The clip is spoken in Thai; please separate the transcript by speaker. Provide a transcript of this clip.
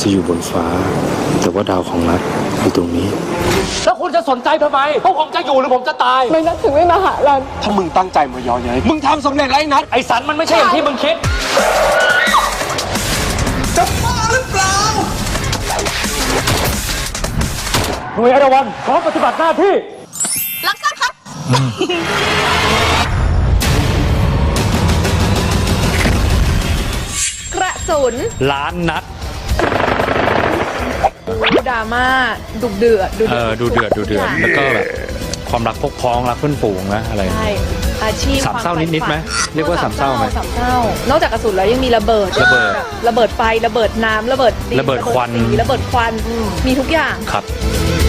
Speaker 1: จะอยู่บนฟ้า แต่ว่าดาวของรัฐอยู่ตรงนี้
Speaker 2: แล้วคุณจะสนใจทำไมพวกผมจะอยู่หรือผมจะตาย
Speaker 3: ไม่นัดถึงไม่มาหารัน
Speaker 4: ถ้ามึงตั้งใจมาย้อนเย้ยมึงทำสำเร็จแล้วไอ้นัท
Speaker 2: ไอ้สันมันไม่ใช่อย่างที่มึงคิด
Speaker 4: จะบ้าหรือเปล่า
Speaker 2: หน่วยอรวันพร้อมปฏิบัติหน้าที่
Speaker 5: รับทราบครับ
Speaker 3: กระสุน
Speaker 6: ล้านนัด
Speaker 3: ดราม่าดุเดือด
Speaker 6: ดูเดือดแล้วก็แบบความรักพกพ้องรักเพื่อนฝูงนะอะไร
Speaker 3: ใช่อาชีพ
Speaker 6: สามเศร้านิดๆไหม
Speaker 3: คว
Speaker 6: เรียกว่าสามเศร้าไหม
Speaker 3: สามเศร้านอกจากกระสุนแล้วยังมีระเบิด
Speaker 6: ระเบิด
Speaker 3: ระเบิดไฟระเบิดน้ำระเบิดดิน
Speaker 6: ระเบิดควัน
Speaker 3: สีระเบิดควันมีทุกอย่าง
Speaker 6: ครับ